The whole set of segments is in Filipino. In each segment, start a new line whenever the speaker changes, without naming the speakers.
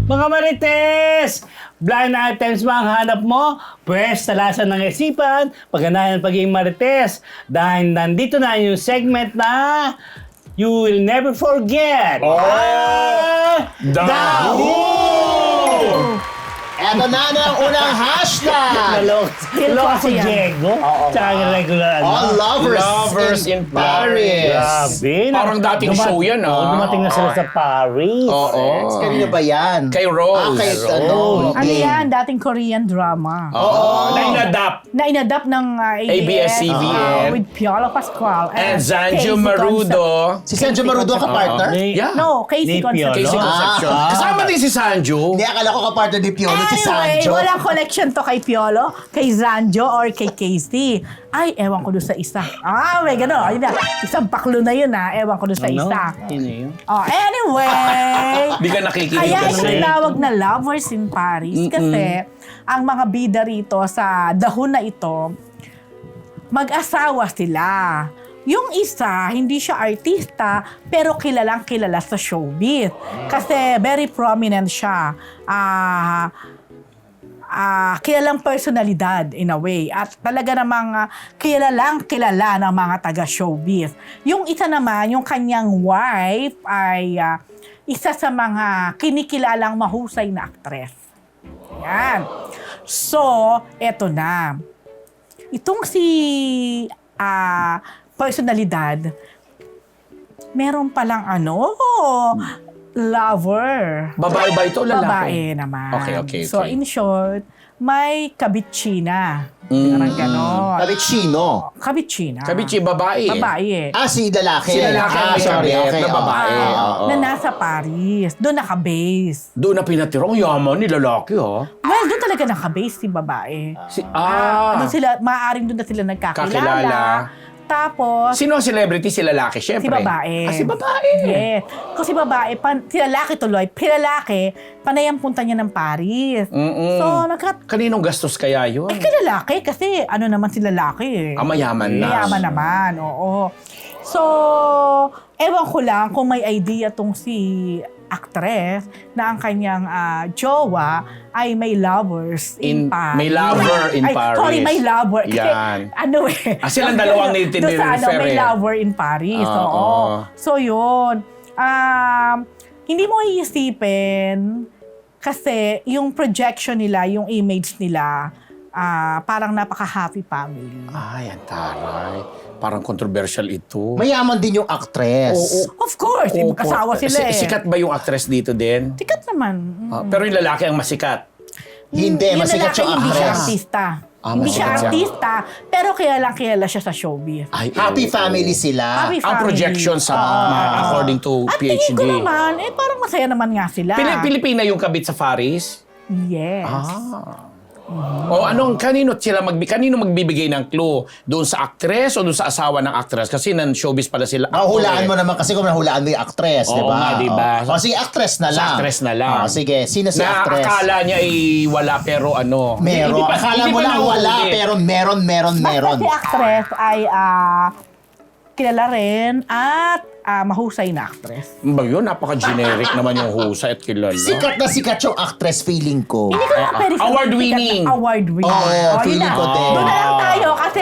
Mga Marites! Blind items ba ang hanap mo? Pwes, talasan ng isipan, pagganahan ng pagiging Marites. Dahil nandito na yung segment na You Will Never Forget.
Daho!
Eto na ang unang hashtag!
Naloko si
yan.
Diego. Tsaka yung regular
All lovers in Paris.
Grabe.
Parang dating show yan,
Dumating na sila sa Paris.
Oo.
Kanino ba yan?
Kay Rose.
Kay
Rose.
Ano yan? Dating Korean drama.
Oo. Na-inadapt.
Na inadapt ng
ABS-CBN.
With Piolo Pascual
And
Casey
Zanjo Marudo.
Si Sanjo Marudo ang kapartner?
Yeah.
No, Casey
Ni Piolo.
Concepcion.
Casey Concepcion. Kasama din si Sanjo.
Hindi, akala ko kapartner ni Piolo si
Anyway,
Sanjo.
walang connection to kay Piolo, kay Zanjo, or kay Casey. Ay, ewan ko doon sa isa. May gano'n. Ayun na. Isang baklo na yun, Ewan ko doon sa isa.
Sino yun?
Anyway.
Di ka nakikinig
Kaya
kasi.
tinawag na Lovers in Paris kasi ang mga bida rito sa dahon na ito, mag-asawa sila. Yung isa, hindi siya artista, pero kilalang kilala sa showbiz. Kasi very prominent siya. Kilalang personalidad in a way. At talaga namang kilalang kilala ng mga taga-showbiz. Yung isa naman, yung kanyang wife ay isa sa mga kinikilalang mahusay na aktres. Yan. So, eto na. Itong si personalidad, meron palang lover.
Babae ba ito o lalaki?
Babae naman.
Okay.
So, in short, may kabitsina. Parang ganon.
Kabitsino.
Kabitsina.
Kabichi, babae.
Babae.
Si lalaki.
Si lalaki ang may
sorry.
kabit
Okay,
na babae. Oo.
Na nasa Paris. Doon naka-base.
Doon na pinatirong yaman ni lalaki, ha?
Well, doon talaga naka-base si babae. Doon sila, maaaring doon na sila nagkakilala.
Kakilala.
Tapos,
Sino ang celebrity? Si lalaki, syempre.
si babae.
Si babae.
Yes. Kasi babae, si lalaki tuloy, lalaki, panay ang punta niya ng Paris. So,
Kaninong gastos kaya yun?
kay lalaki, kasi naman si lalaki
Mayaman na.
Mayaman naman, oo. So, ewan ko lang kung may idea tong si actress na ang kanyang jowa ay may lovers in Paris.
May lover in Paris.
Sorry, may lover. Kasi,
Yan.
silang
silang dalawang
doon sa may
eh.
lover in Paris.
Oo.
Oo. So, yun. Hindi mo iisipin kasi yung projection nila, yung image nila, parang napaka-happy family.
Ay, ang taray. Parang controversial ito.
Mayaman din yung actress.
Of course, magkasawa sila
Sikat ba yung actress dito din?
Sikat naman.
Pero yung lalaki ang masikat.
Hindi,
Yung
masikat
lalaki,
yung
hindi siya
actress.
artista. Hindi siya
masikat siya.
artista, pero kilala siya sa showbiz.
Ay,
Happy family sila.
Happy
Ang
family.
projection sa according to
At
PhD.
tingin ko naman, parang masaya naman nga sila.
Pilipina yung kabit sa Paris?
Yes.
O kanino magbibigay ng clue? Doon sa actress o doon sa asawa ng actress? Kasi showbiz pala sila.
Hulaan mo naman kasi kung nahulaan mo yung actress, di
Oo
ba?
nga, di ba?
Si actress na
Sa
lang.
actress na lang.
Sige, sino si
Na
actress?
akala niya ay wala pero
Meron. Akala mo lang wala, pero meron.
Basta si actress ay kilala rin at mahusay na actress.
Ba yun? Napaka-generic naman yung husay at kilala.
Sikat na sikat yung actress feeling ko.
Hindi ko na pwede sabihin
Award-winning.
sikat na award-winning.
Oo,
Yun
feeling
na.
ko din.
Doon na lang tayo kasi,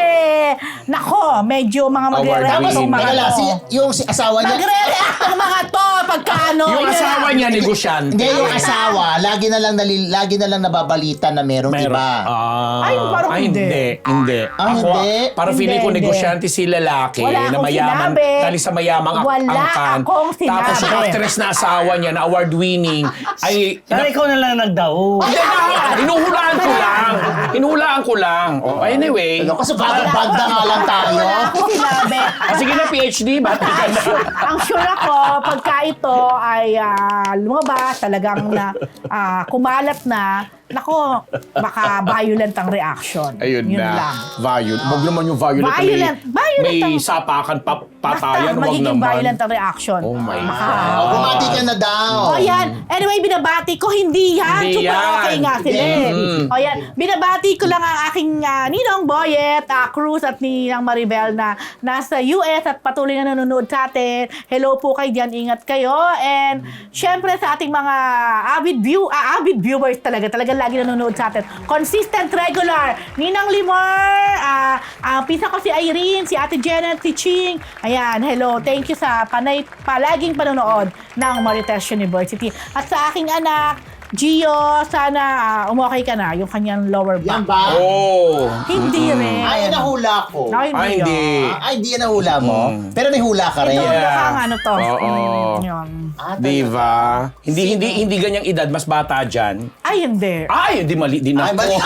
medyo mga magre-react
Tapos,
tong mga
magala,
to.
yung asawa niya,
Magre-react tong mga to pagkaano.
Yung asawa niya, negosyante.
hindi yung asawa, lagi na lang nababalita na meron iba.
Ay, parang hindi.
Hindi.
Hindi?
Para feeling ko
Hindi.
negosyante si lalaki
Wala
na
akong
mayaman,
sinabi.
dali sa mayamang
Wala
angkan.
akong sinabi.
Tapos yung actress na asawa niya na award-winning ay...
Sana ikaw na lang nagdaho.
Hindi na! Hinuhulaan ko lang. Anyway.
Kasi banda nga lang tayo.
Wala akong sinabi.
Sige na, PhD. Ba't ka na?
Ang sure ako, pagka ito ay lumabas, talagang na kumalat na, nako, baka violent ang reaction.
Ayun
Yun
na.
lang.
Huwag naman yung violent.
Violent
May
ang-
sapakan,
Basta
patayan. Huwag
magiging
naman.
violent ang reaction.
Oh my
Baka-
God.
Bumati ka na daw.
O yan. Anyway, binabati ko, hindi yan.
Hindi
Super
yan.
okay nga sila. eh.
Mm.
O yan. Binabati ko lang ang aking Ninong Boyet, Cruz at Ninang Maribel na nasa US at patuloy na nanonood sa atin. Hello po kayo dyan. Ingat kayo. And syempre sa ating mga avid viewers talaga lagi nanonood sa atin. Consistent, regular. Ninang Limor, pisa ko si Irene, si Ate Janet, si Ching. Ayan, hello. Thank you sa palaging panonood ng Marites University. At sa aking anak, Gio, sana umokay ka na yung kanyang lower
Yan
back.
ba?
Oh.
Hindi rin.
Ay, nahula ko.
Ay,
Ay, hindi.
Ay, hindi yan nahula mo. Pero may hula ka rin.
Ito,
Yeah.
mukhang ano to.
Oo.
Yun.
Diba? Hindi ganyang edad, mas bata dyan.
Ay, hindi.
Ay, mali din
Ay,
ako.
mali.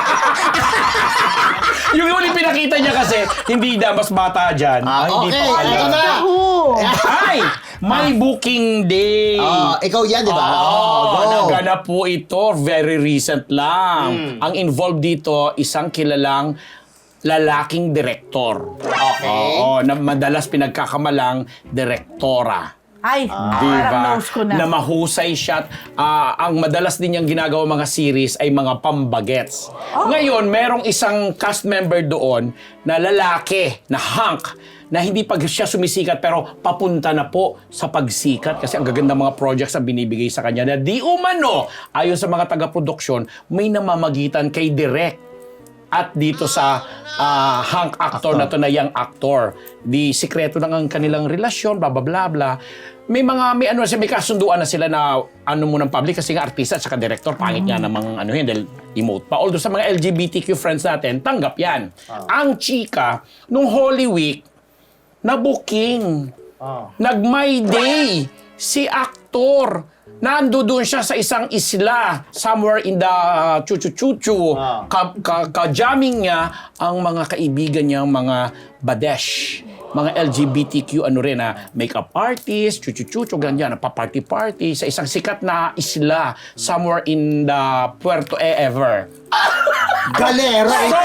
Yung huling pinakita niya kasi, hindi na mas bata dyan. Hindi
okay,
pa pala.
ito na.
Naku.
Ay! May booking day!
Ikaw yan, di ba?
Oo,
go.
naganap po ito. Very recent lang. Ang involved dito, isang kilalang lalaking direktor.
Okay.
Oo, na madalas pinagkakamalang direktora.
Ay, parang nose ko na.
Na mahusay siya. Ang madalas din niyang ginagawa mga series ay mga pambagets. Ngayon, merong isang cast member doon na lalaki, na hunk, na hindi pag siya sumisikat pero papunta na po sa pagsikat kasi ang gaganda mga projects na binibigay sa kanya na di umano, ayon sa mga taga-produksyon, may namamagitan kay Direk at dito sa hunk actor na to na young actor. Di sikreto lang ang kanilang relasyon, bla bla bla bla. May kasunduan na sila na mo ng public kasi nga artista at saka director, pangit nga namang yun, dahil emote pa. Although sa mga LGBTQ friends natin, tanggap yan. Ang chika, nung Holy Week, na-booking. Nag-My Day. Si actor. Nandoon siya sa isang isla, somewhere in the chuchu-chuchu. Ka-jamming niya ang mga kaibigan niyang mga badesh. Mga LGBTQ makeup artist, chuchu-chuchu, ganyan, pa-party-party sa isang sikat na isla, somewhere in the Puerto ever.
Galera ito.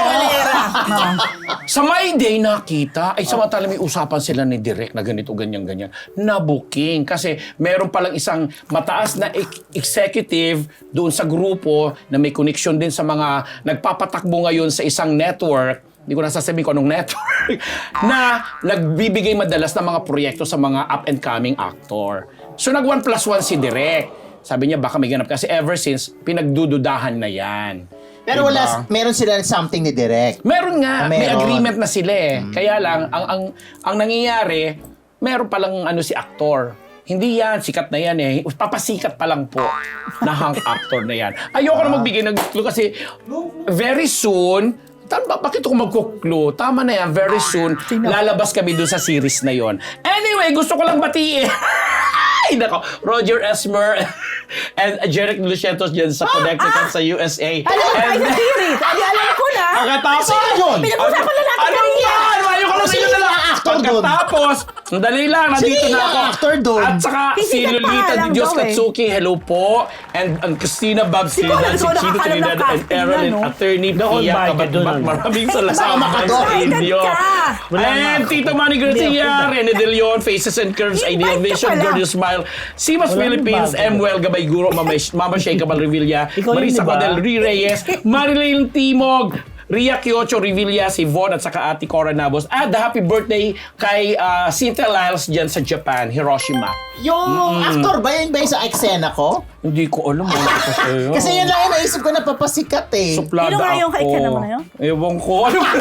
Sa My Day nakita, ay samantala may usapan sila ni Direk na ganito, ganyan. Na booking. Kasi meron palang isang mataas na executive doon sa grupo na may connection din sa mga nagpapatakbo ngayon sa isang network. Hindi ko nasasabihin ko anong network. Na nagbibigay madalas ng mga proyekto sa mga up-and-coming actor. So nag 1+1 si Direk. Sabi niya baka may ganap kasi ever since pinagdududahan na yan.
Pero
Diba?
meron sila something ni Direk.
Meron nga, may
Meron.
agreement na sila eh. Kaya lang, ang nangyayari, meron palang si aktor. Hindi yan, sikat na yan eh. Papasikat pa lang po na hunk actor na yan. Ayoko na magbigay ng clue kasi very soon, bakit ako magkuklo? Tama na yan, very soon, lalabas kami doon sa series na yon. Anyway, gusto ko lang batiin. Ay, nako, Roger Esmer and Jeric Lucientos dyan sa Connecticut sa USA.
Alam mo tayo sa series. Ay, alam ko na.
Pagkatapos,
Pinag-usapan na natin
ano
kanina.
yan? Ayoko na sa'yo na lang.
actor doon?
Pagkatapos, dali lang, nandito
Sino
na
yung
ako.
actor doon?
At saka si
Pisikat pa
Lolita
lang
Di Diyos
daw eh.
Katsuki, hello po. And ang Christina Babs
Siguro,
Trinidad, si
ikaw
Chino
nakakalam ng
Trinidad, and
casting
Erin,
yan, no?
attorney
Doon
Pia
ba?
Kabatbat.
Doon.
Maraming
Sama
salamat
ka
sa
doon.
inyo.
Wala nga
And
ako.
Tito Manny Garcia, Rene De Leon, Faces and Curves, Ideal
Invite ka
Vision,
pala.
Gorgeous Smile, Simas
Walang
Philippines,
bago.
Well Gabay Guro, Mama Shea Cabal Revilla,
Ikaw yun,
Marisa
di ba?
Codel Reyes, Marilyn Timog, Ria Kiocho Revilla, si Von at saka Ate Cora Nabos. At happy birthday kay Cynthia Lyles dyan sa Japan, Hiroshima.
Yung actor ba yun ba yung sa eksena ko?
Hindi ko alam ano ito sa'yo.
Kasi yun lang yung naisip ko na papasikat eh.
Suplada
Sino nga yung
ako.
kaikan naman na yun?
Ewan ko. Ano ba?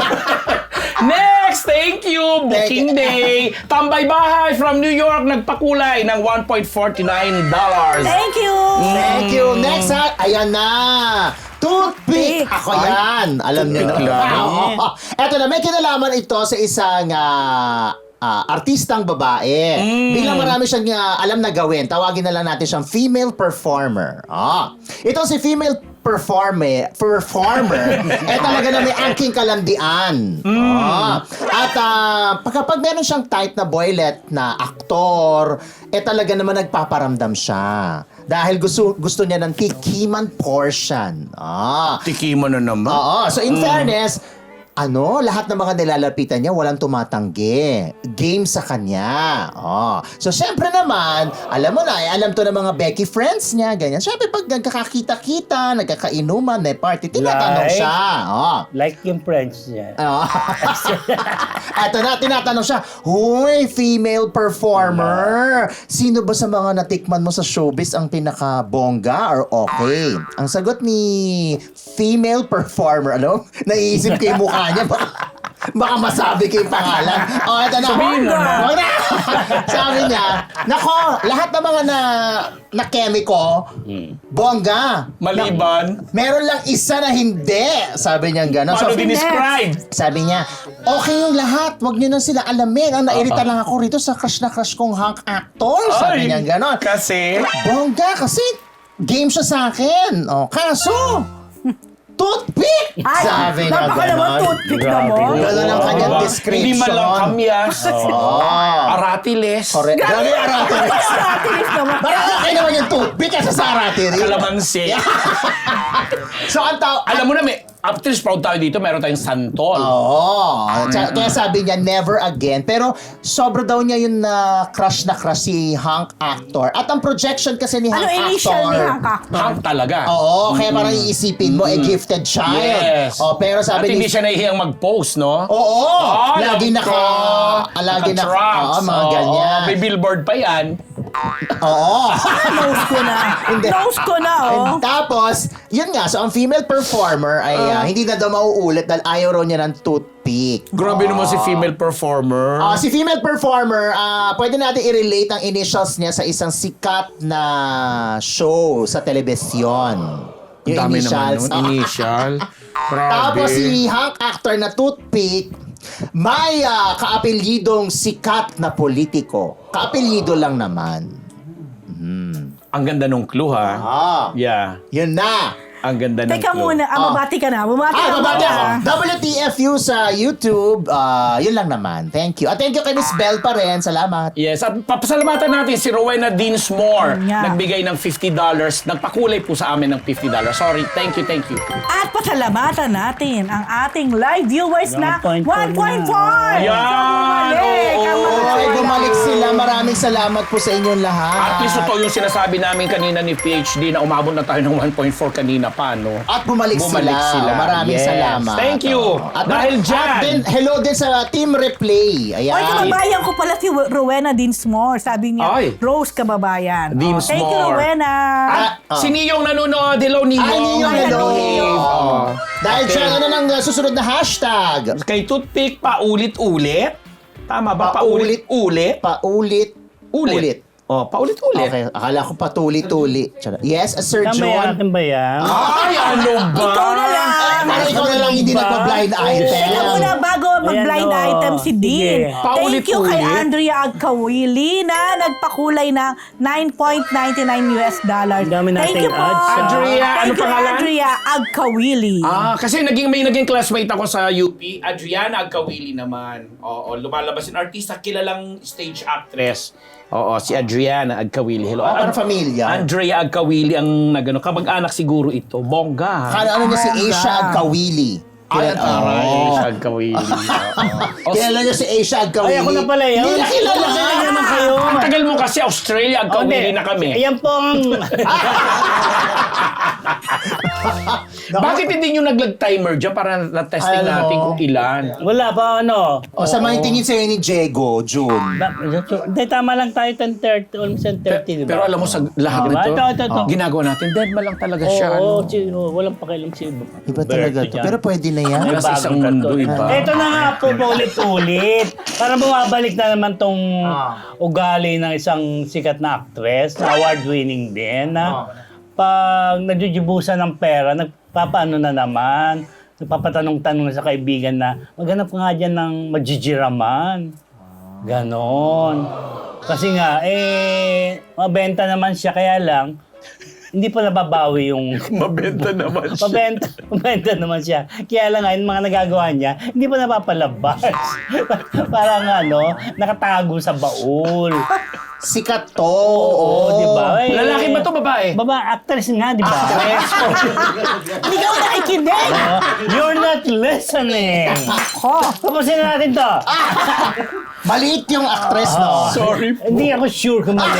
Next, thank you, Booking Day. Tambay Bahay from New York, nagpakulay ng $1.49.
Thank you.
Thank you. Next ha, ayan na. Toothpick! Ako yan. Alam niyo na.
Pinakilala.
Eto na, may kinalaman ito sa isang artistang babae. Bilang marami siyang alam na gawin, tawagin na lang natin siyang female performer. Ito si female performer, talaga na may angking kalandian. At kapag meron siyang type na boylet na aktor, talaga naman nagpaparamdam siya. Dahil gusto niya ng tikiman portion.
Tikiman na naman.
Oo. So in fairness, lahat ng mga nilalapitan niya walang tumatanggi. Game sa kanya. So syempre naman, alam mo na, alam to ng mga Becky friends niya, ganyan. Syempre pag nagkakakita-kita, nagkakainuman, may party, tinatanong
Like?
siya.
Like yung friends niya.
Eto na, tinatanong siya, huy, female performer, sino ba sa mga natikman mo sa showbiz ang pinaka-bongga or okay? Ang sagot ni female performer, naiisip ko yung mukha niya, baka masabi ko yung pangalan. Eto na.
Sabihin mo na.
Wag na. Sabi niya, nako, lahat ng mga na kemiko, bongga.
Maliban.
Meron lang isa na hindi. Sabi niya gano'n.
Paano
So,
dinescribe?
sabi niya, okay yung lahat. Huwag niyo na sila alamin. Ang nairita lang ako rito sa crush na crush kong hunk actor. Sabi niya gano'n.
Kasi?
Bongga, kasi game siya sa akin. Kaso, toothpick! Sabi niya
napaka naman
gano'n.
toothpick
Grabe.
naman.
Gano'n ang kanyang
Aba,
description.
Hindi man lang kamyas. Aratiles.
Correct. Grabe yung aratiris.
Aratilis naman.
Parang okay naman yung toothpick kasi sa aratiris.
Kalamansi.
So, ang tao...
Alam mo na, after proud tayo dito, meron tayong santol.
Kaya sabi niya, never again. Pero sobra daw niya yung crush si Hunk actor. At ang projection kasi ni Hunk
Ano
actor...
initial ni Hunk actor?
Hang talaga.
Oo, kaya parang iisipin mo, gifted child.
Yes.
Pero
At
sabi
hindi
ni...
siya nahihiyang mag-post, no?
Oo! Lagi
alam ko.
Lagi
Naka-tracks.
Oo, mga ganyan.
May billboard pa yan.
Oo.
Nose ko na.
Hindi.
Nose ko na,
And tapos, yun nga, so ang female performer ay hindi na daw mauulit dahil ayaw raw niya ng toothpick.
Grabe naman si female performer.
Si female performer, pwede natin i-relate ang initials niya sa isang sikat na show sa telebisyon.
Ang dami naman nun. Initial. Grabe.
Tapos si Hunk actor na toothpick, may kaapelyidong sikat na politiko. Kaapelyido lang naman.
Ang ganda nung clue, ha? Yeah.
Yun na.
Ang ganda ng
Teka
clue.
muna, mabati ka na. Mabati ka
Babati ako.
na.
WTFU sa YouTube. Yun lang naman. Thank you. At thank you kay Miss Bell pa rin. Salamat.
Yes, at papasalamatan natin si Rowena Dinsmore.
Yeah.
Nagbigay ng $50. Nagpakulay po sa amin ng $50. Sorry, thank you.
At pasalamatan natin ang ating live viewers na 1.4.
1.4
Yan! Oo.
Bumalik sila. Maraming salamat po sa inyong lahat.
At least ito yung sinasabi namin kanina ni PhD na umabot na tayo ng 1.4 kanina pa, no?
At bumalik sila. Maraming
Yes.
salamat.
Thank you.
At
Dahil dyan.
At din, hello din sa Team Replay. Ayan.
Oy, kababayan ko pala si Rowena Dinsmore. Sabi niya,
Ay.
Rose kababayan.
Dinsmore.
Thank you, Rowena.
Si Niyong nanonood. Hello, Niyong.
Ay, Niyong, hello.
Oo.
Dahil
Okay.
dyan, ano nang susunod na hashtag?
Kay Toothpick, paulit-ulit. Tama ba?
Paulit.
Paulit-ulit.
Ulit.
Paulit-ulit.
Okay, akala ko patuli-tuli. Yes, Sir
Tama
John.
akin ba yan?
Ay, ano ba?
Ikaw na lang.
Parang ikaw na lang hindi nagpa-blind item.
Teka muna, bago mag-blind
Ayan,
item si Dean.
Sige.
Thank you kay
Paulit-ulit.
Andrea Agkawili na nagpakulay ng $9.99.
Ang dami
Thank
nating
you po.
ads, ah.
Andrea, ano
Thank you,
pangalan?
Andrea Agkawili.
Kasi may naging classmate ako sa UP, Adriana Agkawili naman. Oo, lumalabas yung artista, kilalang stage actress. Oo, si Adriana Agkawili. Hello.
Parang familia.
Andrea Agkawili ang nagano, kamag-anak siguro ito. Bongga.
Akala ano niya si Asia Agkawili.
Ay, taray.
Oo.
Agkawili. Oo.
Kilala niya si Asia Agkawili.
Ay, ako na pala yun.
Hindi na kilala.
Kilala naman kayo.
Ang tagal mo kasi Australia, Agkawili na kami.
Ayan po ang...
Bakit hindi nyo nag-timer dyan para na-testing
Alam mo.
natin kung ilan?
Wala pa ano.
O sa mga tingin sa'yo ni Diego, June.
Hindi, tama lang tayo 10:30, almost 10:30, di ba?
Pero alam mo sa lahat
Diba?
nito,
Ito.
ginagawa natin, dead ma lang talaga siya.
Oo,
ano.
walang pakialam si
Iba talaga to.
dyan.
Pero pwede na yan.
Nasa isang mundo, iba.
Ito na nga po, ulit-ulit. Para bumabalik na naman tong ugali ng isang sikat na actress, na award-winning din, na pag nagjujubusan ng pera, nagpapaano na naman, nagpapatanong-tanong na sa kaibigan na, maghanap ka nga dyan ng majijiraman. Ganon. Kasi nga, mabenta naman siya, kaya lang, hindi pa nababawi yung...
Mabenta naman siya.
Mabenta naman siya. Kaya lang nga, yung mga nagagawa niya, hindi pa napapalabas. Parang nakatago sa baul.
Sikat to.
Oo, di ba? Eh,
Lalaki ba to, babae?
Actress nga, di ba?
Hindi ka ba nakikinig?
You're not listening. Tapusin na natin to.
Maliit yung actress, no?
Sorry.
Hindi ako sure kung mali.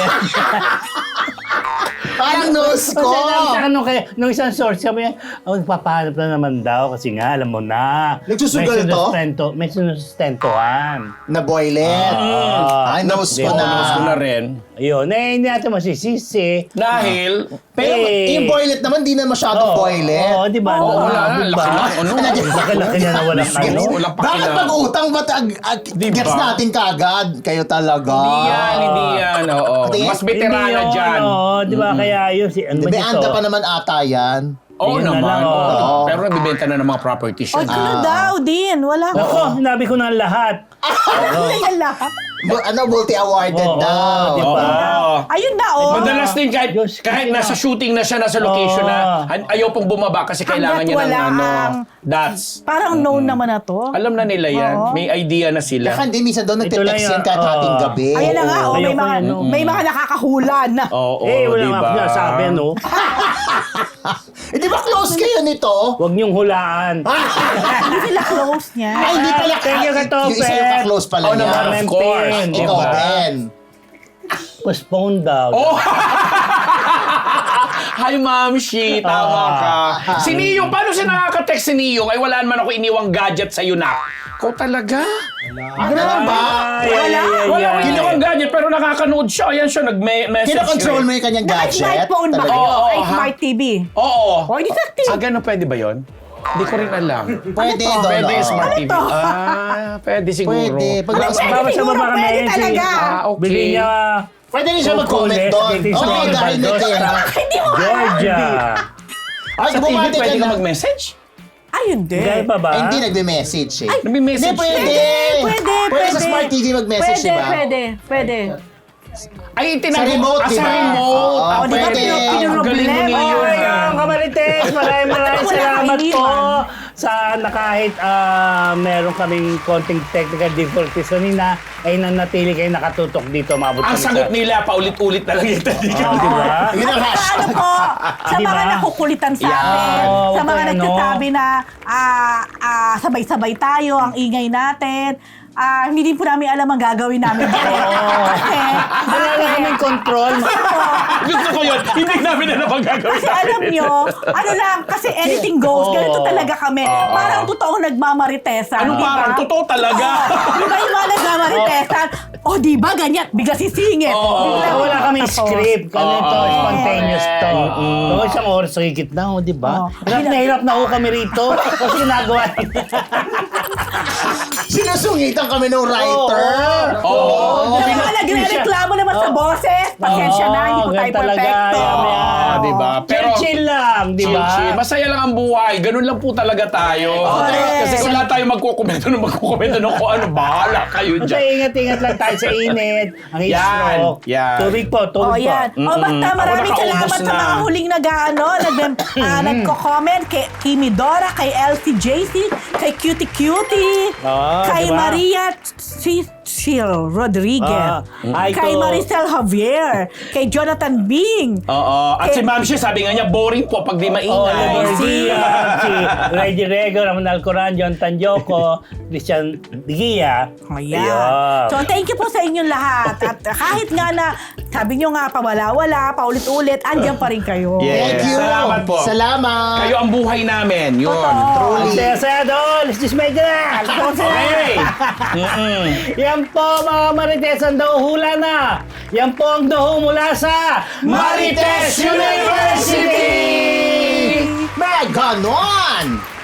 Parang nose ko.
Kasi nung isang source, sabi niya, nagpapahanap na naman daw kasi nga, alam mo na.
Nagsusugal to?
May sinustentohan.
Na boylet. Ay, nose ko na.
Nose ko na rin.
Ayun, hindi natin masisisi.
Dahil,
Pero yung boylet naman, di na masyadong boylet.
Oo, di ba?
Oo, wala na. Laki lang. Ano?
Laki-laki na walang ano.
Walang
Bakit
pakialam.
pag-utang ba't
Di
gets
ba?
natin kagad? Kayo talaga.
Hindi yan. Oo.
Hindi.
Mas veterana
Hindi
dyan.
yun, di ba? Kaya yun, ano ba
May
dito?
anda pa naman ata yan.
Oo
Yun na
naman.
lang, oo.
Oo. Pero nabibenta na ng mga properties
O,
yun.
ito na daw din. Wala ko.
Ako, sinabi ko na lahat.
Ano yan lahat?
Multi-awarded
Oo,
daw.
di ba?
Oo.
Ayun na, oh.
Madalas din
Diyos
kahit
ko.
nasa shooting na siya, nasa location na, ayaw pong bumaba kasi kailangan
Hanggat
niya ng
wala
dots.
Parang known naman na to.
Alam na nila yan.
Oo.
May idea na sila.
Kaya hindi minsan daw
Ito lang
nagte-text
yun.
yan kahit hating gabi.
Ayun na nga, oh, may
Ayoko
mga,
yan, no?
may mga nakakahula na.
Oo,
Wala
di
nga
ba?
ako sabi, no?
Eh, di ba close kayo nito?
Huwag niyong hulaan.
Hindi sila close niya.
Ay, hindi pala.
Thank you, Katopet.
Yung isa yung ka-close pala
Oh,
niya.
naman, of course.
Di
Ikaw,
ba?
Ben.
Postpone daw.
Oh! Hi, Ma'am Shi. Tama ka. Si Niyong, paano siya nakaka-text si Niyong? Ay, wala naman ako iniwang gadget sa'yo na. Ikaw talaga?
Ganun ba?
Wala akong iniwang gadget, pero nakakanood siya. Ayan siya, nag-message.
Kino-control mo yung kanyang gadget?
Naka-smartphone ba
Talaga?
kayo?
Oo,
Ay,
ha?
smart TV.
Oo.
O, hindi sa TV.
Ganun pwede ba yon? Hindi ko rin alam.
Pwede
Ano to?
doon.
Pwede yung
oo.
smart
Ano
TV.
to?
Pwede siguro.
Pwede. Pag
Pwede
Baba sa
siguro,
baba kami.
pwede talaga.
Okay.
Bigyan niya.
Pwede rin siya mag-comment doon. Oo, dahil may kaya.
Hindi mo alam.
Georgia.
Ay,
Sa TV,
bumati ka
pwede ka
na.
mag-message?
Ay, hindi.
Gaya pa ba?
Ay, hindi nagme-message eh.
Nagme-message
Hindi, pwede.
Pwede.
Pwede sa smart TV mag-message,
Pwede,
di ba?
pwede.
Ay,
Sa remote, di
Sa
ba?
remote.
Oo,
di ba
pwede.
Ang galing mo
Problema.
niyo.
Oh, yung Kamarites, maraming
Wala
salamat
kang
po
iniwan.
sa na kahit meron kaming konting technical difficulties kanina ay nanatili kayo nakatutok dito maabot
Ang
kami
sagot nila, paulit-ulit na lang yung
di ba?
Yun ang
At
hashtag.
ano po, sa
Di
mga
ba?
nakukulitan sa
Yeah.
amin,
Oo,
sa mga
ano.
nagsasabi na sabay-sabay tayo, ang ingay natin, hindi din po namin alam ang gagawin namin. Kasi,
Wala na kaming control.
Gusto ko yun. Hindi namin na napang gagawin
kasi alam nyo, ano lang, kasi anything goes, ganito talaga kami. Parang totoong nagmamaritesan.
Ano
di ba?
parang? Totoo talaga.
Di ba yung mga nagmamaritesan? Di ba ganyan? Bigla sisingit.
Wala kaming script. Ganito, spontaneous to.
Mm.
So, isang oras sa higit na, di ba?
Oo.
Hirap na ho kami rito. Kasi ginagawa.
Sinusungitan kami ng writer.
Oo.
Yung mga nagre-reklamo naman sa boses, pasensya na, hindi po tayo
ganun talaga.
perfecto.
Yan.
Di ba? Pero,
Chill lang, di ba?
chill. Masaya lang ang buhay. Ganun lang po talaga tayo. Kasi kung lahat tayo magkukomento ng kung ano, bahala kayo
Basta
dyan.
ingat-ingat lang tayo sa init, ang heat
Yan,
stroke.
yan.
Tubig po, tubig po.
Yan. Basta maraming
Ako
salamat
nakaubos
sa
na.
mga huling nagko-comment kay Kimidora, kay LCJC, kay Cutie Cutie, kay
diba?
Maria Cecil Rodriguez,
Ay,
kay
to.
Maricel Javier, kay Jonathan Bing,
Oo. At si Ma'am Shi, sabi nga niya, boring po pag di
Oh,
maingay.
si Reggie Rego, Ramon Alcoran, John Tanjoco, Christian Digia.
Ayan.
Ayun.
So, thank you po sa inyong lahat. At kahit nga na, sabi nyo nga, pawala-wala, paulit-ulit, andyan pa rin kayo.
Yeah.
Thank you.
Salamat po.
Salamat.
Kayo ang buhay namin. Yun.
Totoo.
Ang saya-saya doon! Let's just make it up!
Okay.
Yan po mga Marites, ang dahuhula na! Yan po ang daho mula sa
Marites University!
May ganon!